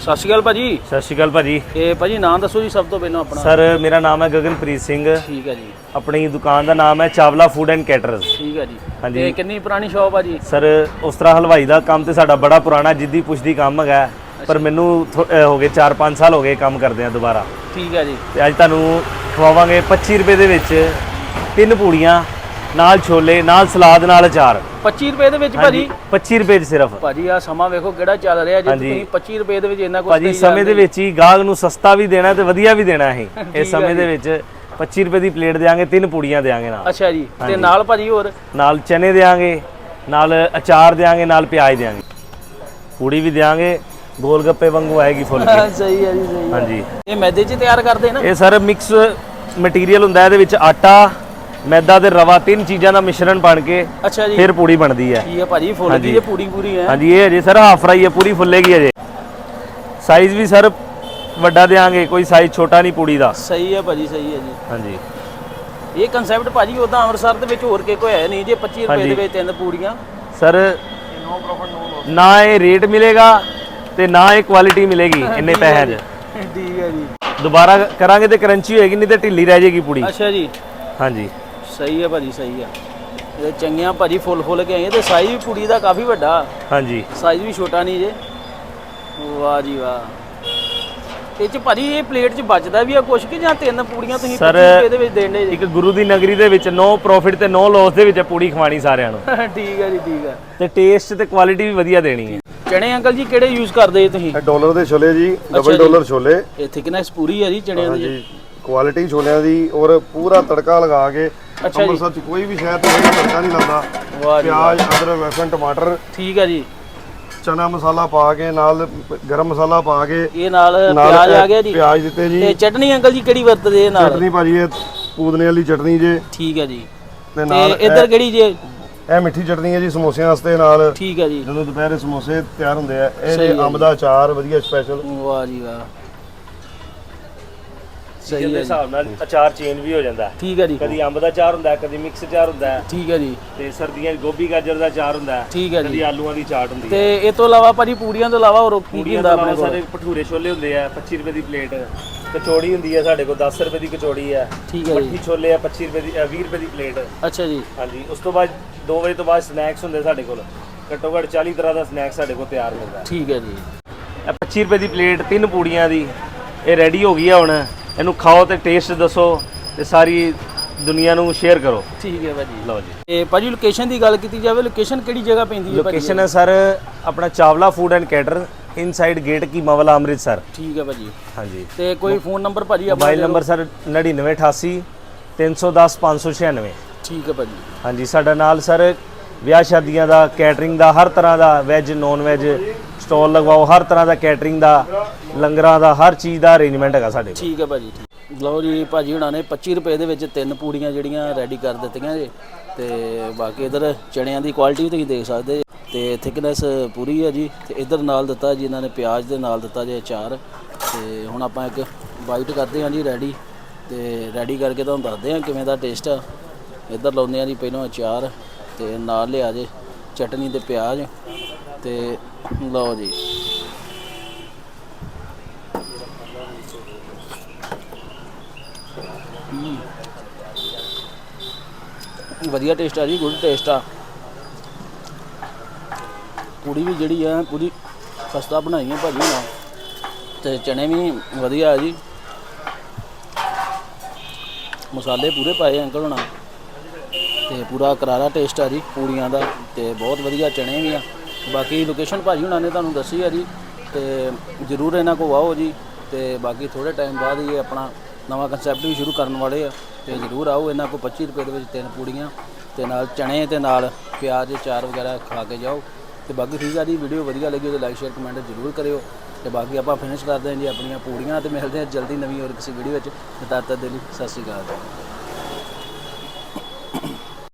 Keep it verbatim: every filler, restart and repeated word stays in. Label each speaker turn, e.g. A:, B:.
A: ਸਤਿ ਸ਼੍ਰੀ ਅਕਾਲ ਭਾਜੀ।
B: ਸਤਿ ਸ਼੍ਰੀ ਅਕਾਲ ਭਾਜੀ।
A: ਇਹ ਭਾਜੀ ਨਾਮ ਦੱਸੋ ਜੀ ਸਭ ਤੋਂ ਪਹਿਲਾਂ ਆਪਣਾ।
B: ਸਰ ਮੇਰਾ ਨਾਮ ਹੈ ਗਗਨਪ੍ਰੀਤ ਸਿੰਘ।
A: ਠੀਕ ਹੈ ਜੀ।
B: ਆਪਣੀ ਦੁਕਾਨ ਦਾ ਨਾਮ ਹੈ ਚਾਵਲਾ ਫੂਡ ਐਂਡ ਕੈਟਰਸ।
A: ਠੀਕ ਹੈ ਜੀ।
B: ਹਾਂਜੀ।
A: ਤੇ ਕਿੰਨੀ ਪੁਰਾਣੀ ਸ਼ੌਪ ਆ ਜੀ?
B: ਸਰ ਉਸ ਤਰ੍ਹਾਂ ਹਲਵਾਈ ਦਾ ਕੰਮ ਤੇ ਸਾਡਾ ਬੜਾ ਪੁਰਾਣਾ ਜਿੱਦੀ ਪੁੱਛਦੀ ਕੰਮ ਹੈਗਾ, ਪਰ ਮੈਨੂੰ ਹੋ ਗਏ ਚਾਰ ਪੰਜ ਸਾਲ ਹੋ ਗਏ ਕੰਮ ਕਰਦੇ ਆ ਦੁਬਾਰਾ।
A: ਠੀਕ ਹੈ ਜੀ।
B: ਤੇ ਅੱਜ ਤੁਹਾਨੂੰ ਖਵਾਵਾਂਗੇ ਪੱਚੀ ਰੁਪਏ ਦੇ ਵਿੱਚ ਤਿੰਨ ਪੂੜੀਆਂ ਨਾਲ ਛੋਲੇ ਨਾਲ ਸਲਾਦ ਨਾਲ ਅਚਾਰ।
A: ਪੱਚੀ ਰੁਪਏ ਦੇ ਵਿੱਚ ਭਾਜੀ?
B: ਪੱਚੀ ਰੁਪਏ ਚ ਸਿਰਫ।
A: ਭਾਜੀ ਆ ਸਮਾਂ ਵੇਖੋ ਕਿਹੜਾ ਚੱਲ ਰਿਹਾ ਜੀ, ਤੁਸੀਂ ਪੱਚੀ ਰੁਪਏ ਦੇ ਵਿੱਚ ਇੰਨਾ ਕੁਝ
B: ਭਾਜੀ ਸਮੇਂ ਦੇ ਵਿੱਚ ਹੀ ਗਾਹਕ ਨੂੰ ਸਸਤਾ ਵੀ ਦੇਣਾ ਤੇ ਵਧੀਆ ਵੀ ਦੇਣਾ ਹੈ। ਇਸ ਸਮੇਂ ਦੇ ਵਿੱਚ ਪੱਚੀ ਰੁਪਏ ਦੀ ਪਲੇਟ ਦੇਾਂਗੇ, ਤਿੰਨ ਪੂੜੀਆਂ ਦੇਾਂਗੇ ਨਾਲ।
A: ਅੱਛਾ ਜੀ। ਤੇ ਨਾਲ ਭਾਜੀ ਹੋਰ
B: ਨਾਲ ਚਨੇ ਦੇਾਂਗੇ, ਨਾਲ ਅਚਾਰ ਦੇਾਂਗੇ, ਨਾਲ ਪਿਆਜ਼ ਦੇਾਂਗੇ, ਪੂੜੀ ਵੀ ਦੇਾਂਗੇ, ਗੋਲ ਗੱਪੇ ਵਾਂਗੂ ਆਏਗੀ ਫੁੱਲ ਕੇ।
A: ਸਹੀ ਹੈ ਜੀ, ਸਹੀ ਹੈ।
B: ਹਾਂਜੀ।
A: ਇਹ ਮੈਦੇ 'ਚ ਤਿਆਰ ਕਰਦੇ ਨਾ? ਇਹ
B: ਸਰ ਮਿਕਸ ਮਟੀਰੀਅਲ ਹੁੰਦਾ, ਇਹਦੇ ਵਿੱਚ ਆਟਾ, ਮੈਦਾ ਤੇ ਰਵਾ ਤਿੰਨ ਚੀਜ਼ਾਂ ਦਾ ਮਿਸ਼ਰਣ ਬਣ ਕੇ
A: ਅੱਛਾ ਜੀ ਫਿਰ
B: ਪੂੜੀ ਬਣਦੀ ਹੈ।
A: ਠੀਕ ਹੈ ਭਾਜੀ। ਫੁੱਲ ਗਈ ਹੈ ਪੂਰੀ ਪੂਰੀ ਹੈ? ਹਾਂਜੀ।
B: ਇਹ ਅਜੇ ਸਰ ਹਾਫ ਫਰਾਈ ਹੈ, ਪੂਰੀ ਫੁੱਲੇਗੀ ਅਜੇ। ਸਾਈਜ਼ ਵੀ ਸਰ ਵੱਡਾ ਦੇਾਂਗੇ, ਕੋਈ ਸਾਈਜ਼ ਛੋਟਾ ਨਹੀਂ ਪੂੜੀ ਦਾ।
A: ਸਹੀ ਹੈ ਭਾਜੀ, ਸਹੀ ਹੈ ਜੀ।
B: ਹਾਂਜੀ।
A: ਇਹ ਕਨਸੈਪਟ ਭਾਜੀ ਉਦਾਂ ਅੰਮ੍ਰਿਤਸਰ ਦੇ ਵਿੱਚ ਹੋਰ ਕੇ ਕੋਈ ਹੈ ਨਹੀਂ ਜੇ ਪੱਚੀ ਰੁਪਏ ਦੇ ਵਿੱਚ ਤਿੰਨ ਪੂੜੀਆਂ।
B: ਸਰ ਨਾ ਇਹ ਰੇਟ ਮਿਲੇਗਾ ਤੇ ਨਾ ਇਹ ਕੁਆਲਿਟੀ ਮਿਲੇਗੀ ਇੰਨੇ ਪੈਸਿਆਂ 'ਚ।
A: ਠੀਕ ਹੈ ਜੀ।
B: ਦੁਬਾਰਾ ਕਰਾਂਗੇ ਤੇ ਕਰੰਚੀ ਹੋਏਗੀ, ਨਹੀਂ ਤੇ ਢਿੱਲੀ ਰਹਿ ਜਾਏਗੀ ਪੂੜੀ।
A: ਅੱਛਾ ਜੀ।
B: ਹਾਂਜੀ।
A: ਸਹੀ ਹੈ ਭਾਜੀ, ਸਹੀ ਹੈ। ਇਹ ਚੰਗੀਆਂ ਭਾਜੀ ਫੁੱਲ ਫੁੱਲ ਕੇ ਆਈਆਂ ਤੇ ਸਾਈਜ਼ ਵੀ ਪੂੜੀ ਦਾ ਕਾਫੀ ਵੱਡਾ। ਹਾਂਜੀ। ਸਾਈਜ਼ ਵੀ ਛੋਟਾ ਨਹੀਂ ਜੇ। ਵਾਹ ਜੀ ਵਾਹ। ਇਹ ਚ ਭਾਜੀ ਇਹ ਪਲੇਟ 'ਚ ਬਚਦਾ ਵੀ ਆ ਕੁਛ ਕਿ ਜਾਂ ਤਿੰਨ ਪੂੜੀਆਂ ਤੁਸੀਂ ਪੱਚੀ ਰੁਪਏ ਦੇ ਵਿੱਚ ਦੇਣੇ?
B: ਇੱਕ ਗੁਰੂ ਦੀ ਨਗਰੀ ਦੇ ਵਿੱਚ ਨੋ ਪ੍ਰੋਫਿਟ ਤੇ ਨੋ ਲਾਸ ਦੇ ਵਿੱਚ ਪੂੜੀ ਖਵਾਣੀ ਸਾਰਿਆਂ ਨੂੰ।
A: ਠੀਕ ਹੈ ਜੀ, ਠੀਕ ਹੈ।
B: ਤੇ ਟੇਸਟ ਤੇ ਕੁਆਲਿਟੀ ਵੀ ਵਧੀਆ ਦੇਣੀ ਹੈ।
A: ਚਣੇ ਅੰਕਲ ਜੀ ਕਿਹੜੇ ਯੂਜ਼ ਕਰਦੇ ਤੁਸੀਂ?
C: ਡਾਲਰ ਦੇ ਛੋਲੇ ਜੀ, ਡਬਲ ਡਾਲਰ ਛੋਲੇ।
A: ਇਹ ਥਿਕਨੈਸ ਪੂਰੀ ਹੈ ਜੀ ਚਣਿਆਂ ਦੀ?
C: ਕੁਆਲਿਟੀ ਛੋਲਿਆਂ ਦੀ ਔਰ ਪੂਰਾ ਤੜਕਾ ਲਗਾ ਕੇ। ਅੰਮ੍ਰਿਤਸਰ ਚ ਕੋਈ ਵੀ ਸ਼ਹਿਰ ਤੇ ਤੜਕਾ ਨਹੀਂ ਲਾਉਂਦਾ। ਪਿਆਜ਼, ਅਦਰਕ, ਲਸਣ, ਟਮਾਟਰ।
A: ਠੀਕ ਹੈ ਜੀ।
C: ਚਨਾ ਮਸਾਲਾ ਪਾ ਕੇ ਨਾਲ ਗਰਮ ਮਸਾਲਾ ਪਾ ਕੇ
A: ਇਹ ਨਾਲ ਪਿਆਜ਼ ਆ ਗਿਆ ਜੀ।
C: ਪਿਆਜ਼ ਦਿੱਤੇ ਜੀ।
A: ਤੇ ਚਟਨੀ ਅੰਕਲ ਜੀ ਕਿਹੜੀ ਵਰਤਦੇ ਨਾਲ?
C: ਚਟਨੀ ਭਾਜੀ ਇਹ ਪੂਦਨੇ ਵਾਲੀ ਚਟਨੀ ਜੇ।
A: ਠੀਕ ਹੈ ਜੀ।
C: ਤੇ ਨਾਲ
A: ਇੱਧਰ ਕਿਹੜੀ ਜੇ?
C: ਇਹ ਮਿੱਠੀ ਚਟਨੀ ਹੈ ਜੀ ਸਮੋਸਿਆਂ ਵਾਸਤੇ ਨਾਲ।
A: ਠੀਕ ਹੈ ਜੀ।
C: ਜਦੋਂ ਦੁਪਹਿਰੇ ਸਮੋਸੇ ਤਿਆਰ ਹੁੰਦੇ ਆ, ਇਹ ਅੰਬ ਦਾ ਅਚਾਰ ਵਧੀਆ ਸਪੈਸ਼ਲ।
A: ਵਾਹ ਜੀ ਵਾਹ।
B: ਸਹੀ ਦੇ ਹਿਸਾਬ ਨਾਲ ਅਚਾਰ ਚੇਂਜ ਵੀ ਹੋ ਜਾਂਦਾ।
A: ਠੀਕ ਹੈ ਜੀ।
B: ਕਦੀ ਅੰਬ ਦਾ ਅਚਾਰ ਹੁੰਦਾ, ਕਦੀ ਮਿਕਸ ਅਚਾਰ ਹੁੰਦਾ।
A: ਠੀਕ ਹੈ ਜੀ।
B: ਤੇ ਸਰਦੀਆਂ ਗੋਭੀ ਗਾਜਰ ਦਾ ਅਚਾਰ ਹੁੰਦਾ।
A: ਠੀਕ ਹੈ ਜੀ।
B: ਕਦੀ ਆਲੂਆਂ ਦੀ ਚਾਟ ਹੁੰਦੀ ਹੈ।
A: ਤੇ ਇਹ ਤੋਂ ਇਲਾਵਾ ਭਾਜੀ ਪੂੜੀਆਂ ਤੋਂ ਇਲਾਵਾ ਹੋਰ ਕੀ ਹੁੰਦਾ ਆਪਣੇ ਕੋਲ?
B: ਸਾਡੇ ਭਟੂਰੇ ਛੋਲੇ ਹੁੰਦੇ ਆ ਪੱਚੀ ਰੁਪਏ ਦੀ ਪਲੇਟ। ਕਚੌੜੀ ਹੁੰਦੀ ਹੈ ਸਾਡੇ ਕੋਲ ਦਸ ਰੁਪਏ ਦੀ ਕਚੌੜੀ ਹੈ।
A: ਠੀਕ ਹੈ ਜੀ।
B: ਮੱਠੀ ਛੋਲੇ ਆ ਪੱਚੀ ਰੁਪਏ ਦੀ, ਵੀਹ ਰੁਪਏ ਦੀ ਪਲੇਟ।
A: ਅੱਛਾ ਜੀ। ਹਾਂਜੀ।
B: ਉਸ ਤੋਂ ਬਾਅਦ ਦੋ ਵਜੇ ਤੋਂ ਬਾਅਦ ਸਨੈਕਸ ਹੁੰਦੇ ਸਾਡੇ ਕੋਲ। ਘੱਟੋ ਘੱਟ ਚਾਲੀ ਤਰ੍ਹਾਂ ਦਾ ਸਨੈਕਸ ਸਾਡੇ ਕੋਲ ਤਿਆਰ ਮਿਲਦਾ।
A: ਠੀਕ ਹੈ ਜੀ।
B: ਇਹ ਪੱਚੀ ਰੁਪਏ ਦੀ ਪਲੇਟ ਤਿੰਨ ਪੂੜੀਆਂ ਦੀ ਇਹ ਰੈਡੀ ਹੋ ਗਈ ਆ। ਹੁਣ ਇਹਨੂੰ ਖਾਓ ਤੇ ਟੇਸਟ ਦੱਸੋ ਤੇ ਸਾਰੀ ਦੁਨੀਆ ਨੂੰ ਸ਼ੇਅਰ ਕਰੋ।
A: ਠੀਕ ਹੈ ਭਾਜੀ।
B: ਲਓ ਜੀ।
A: ਇਹ ਭਾਜੀ ਲੋਕੇਸ਼ਨ ਦੀ ਗੱਲ ਕੀਤੀ ਜਾਵੇ, ਲੋਕੇਸ਼ਨ ਕਿਹੜੀ ਜਗ੍ਹਾ ਪੈਂਦੀ ਹੈ?
B: ਲੋਕੇਸ਼ਨ ਹੈ ਸਰ ਆਪਣਾ Chawla food and cater, inside gate ਕੀ ਮਵਲਾ ਅੰਮ੍ਰਿਤਸਰ।
A: ਠੀਕ ਹੈ ਭਾਜੀ।
B: ਹਾਂਜੀ।
A: ਤੇ ਕੋਈ ਫੋਨ ਨੰਬਰ ਭਾਜੀ?
B: ਮੋਬਾਈਲ ਨੰਬਰ ਸਰ ਨੜਿਨਵੇਂ ਅਠਾਸੀ ਤਿੰਨ ਸੌ ਦਸ ਪੰਜ ਸੌ ਛਿਆਨਵੇਂ।
A: ਠੀਕ ਹੈ ਭਾਜੀ। ਹਾਂਜੀ।
B: ਸਾਡਾ ਨਾਲ ਸਰ ਵਿਆਹ ਸ਼ਾਦੀਆਂ ਦਾ, ਕੈਟਰਿੰਗ ਦਾ, ਹਰ ਤਰ੍ਹਾਂ ਦਾ, ਵੈਜ ਨੌਨ ਵੈਜ ਸਟਾਲ ਲਗਵਾਓ, ਹਰ ਤਰ੍ਹਾਂ ਦਾ ਕੈਟਰਿੰਗ ਦਾ, ਲੰਗਰਾਂ ਦਾ, ਹਰ ਚੀਜ਼ ਦਾ ਅਰੇਂਜਮੈਂਟ ਹੈਗਾ ਸਾਡੇ ਕੋਲ। ਠੀਕ
A: ਹੈ ਭਾਜੀ। ਲਓ ਜੀ ਭਾਜੀ ਹੁਣਾਂ ਨੇ ਪੱਚੀ ਰੁਪਏ ਦੇ ਵਿੱਚ ਤਿੰਨ ਪੂੜੀਆਂ ਜਿਹੜੀਆਂ ਰੈਡੀ ਕਰ ਦਿੱਤੀਆਂ ਜੀ। ਤੇ ਬਾਕੀ ਇਧਰ ਚਣਿਆਂ ਦੀ ਕੁਆਲਿਟੀ ਵੀ ਤੁਸੀਂ ਦੇਖ ਸਕਦੇ ਤੇ ਥਿਕਨੈਸ ਪੂਰੀ ਹੈ ਜੀ। ਤੇ ਇਧਰ ਨਾਲ ਦਿੱਤਾ ਜੀ ਇਹਨਾਂ ਨੇ ਪਿਆਜ਼ ਦੇ ਨਾਲ ਦਿੱਤਾ ਜੀ ਅਚਾਰ। ਤੇ ਹੁਣ ਆਪਾਂ ਇੱਕ ਬਾਈਟ ਕਰਦੇ ਹਾਂ ਜੀ ਰੈਡੀ। ਤੇ ਰੈਡੀ ਕਰਕੇ ਤੁਹਾਨੂੰ ਦੱਸਦੇ ਹਾਂ ਕਿਵੇਂ ਦਾ ਟੇਸਟ ਆ। ਇਧਰ ਲਾਉਂਦੇ ਹਾਂ ਜੀ ਪਹਿਲਾਂ ਅਚਾਰ ਤੇ ਨਾਲ ਲਿਆ ਜੇ ਚਟਨੀ ਤੇ ਪਿਆਜ਼। ਤੇ ਲਓ ਜੀ। ਵਧੀਆ ਟੇਸਟ ਆ ਜੀ, ਗੁੱਡ ਟੇਸਟ ਆ। ਪੂੜੀ ਵੀ ਜਿਹੜੀ ਆ ਪੂਰੀ ਖਸਤਾ ਬਣਾਈ ਹੈ ਭਾਜੀ ਨਾਲ। ਤੇ ਚਨੇ ਵੀ ਵਧੀਆ ਆ ਜੀ, ਮਸਾਲੇ ਪੂਰੇ ਪਾਏ ਅੰਕਲ ਹੋਣਾ। ਤੇ ਪੂਰਾ ਕਰਾਰਾ ਟੇਸਟ ਆ ਜੀ ਪੂੜੀਆਂ ਦਾ। ਤੇ ਬਹੁਤ ਵਧੀਆ ਚਨੇ ਵੀ ਆ। ਬਾਕੀ ਲੋਕੇਸ਼ਨ ਭਾਜੀ ਹੁਣਾਂ ਨੇ ਤੁਹਾਨੂੰ ਦੱਸੀ ਆ ਜੀ। ਤੇ ਜ਼ਰੂਰ ਇਹਨਾਂ ਕੋਲ ਆਓ ਜੀ। ਤੇ ਬਾਕੀ ਥੋੜ੍ਹੇ ਟਾਈਮ ਬਾਅਦ ਹੀ ਆਪਣਾ ਨਵਾਂ ਕੰਸੈਪਟ ਵੀ ਸ਼ੁਰੂ ਕਰਨ ਵਾਲੇ ਆ। ਤੇ ਜ਼ਰੂਰ ਆਓ ਇਹਨਾਂ ਕੋਲ। ਪੱਚੀ ਰੁਪਏ ਦੇ ਵਿੱਚ ਤਿੰਨ ਪੂੜੀਆਂ ਤੇ ਨਾਲ ਚਣੇ ਤੇ ਨਾਲ ਪਿਆਜ਼ ਚਾਰ ਵਗੈਰਾ ਖਾ ਕੇ ਜਾਓ। ਤੇ ਬਾਕੀ ਠੀਕ ਆ ਜੀ। ਵੀਡੀਓ ਵਧੀਆ ਲੱਗੀ ਤਾਂ ਲਾਈਕ ਸ਼ੇਅਰ ਕਮੈਂਟ ਜ਼ਰੂਰ ਕਰਿਓ। ਤੇ ਬਾਕੀ ਆਪਾਂ ਫਿਨਿਸ਼ ਕਰਦੇ ਹਾਂ ਜੀ ਆਪਣੀਆਂ ਪੂੜੀਆਂ। ਤੇ ਮਿਲਦੇ ਹਾਂ ਜਲਦੀ ਨਵੀਂ ਹੋਰ ਕਿਸੇ ਵੀਡੀਓ ਵਿੱਚ। ਤਦ ਤੱਕ ਦੇ ਲਈ ਸਤਿ ਸ਼੍ਰੀ ਅਕਾਲ।